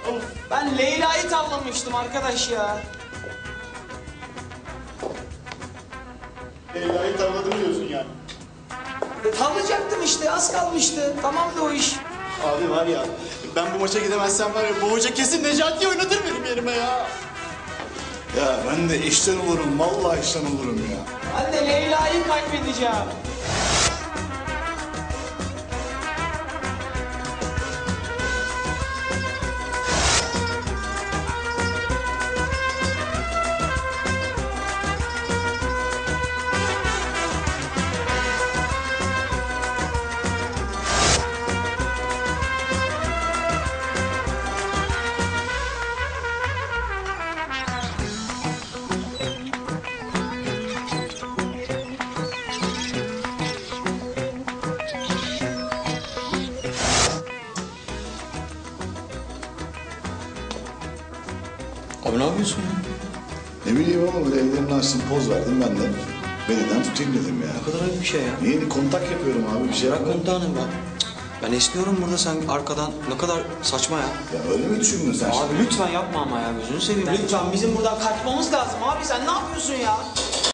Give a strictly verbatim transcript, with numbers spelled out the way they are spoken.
Ben Leyla'yı tavlamıştım arkadaş ya. Leyla'yı tavladım diyorsun yani. Tavlayacaktım işte, az kalmıştı. Tamamdı o iş. Abi var ya, ben bu maça gidemezsem var ya, bu hoca kesin Necati'yi oynatır benim yerime ya. Ya ben de işten olurum, vallahi işten olurum ya. Ben de Leyla'yı kaybedeceğim. Abi ne yapıyorsun ya? Ne bileyim oğlum, böyle ellerini açtım, poz verdim ben de. Beliden tutayım dedim ya. Ne kadar ayıp bir şey ya. Niye kontak yapıyorum abi, bir şey Bırak yapmadım. komutanım ben. Ben esniyorum burada, sen arkadan. Ne kadar saçma ya. Ya öyle mi düşündün sen şimdi? Abi lütfen yapma ama ya, gözünü seveyim. Lütfen bizim buradan kaçmamız lazım abi. Sen ne yapıyorsun ya?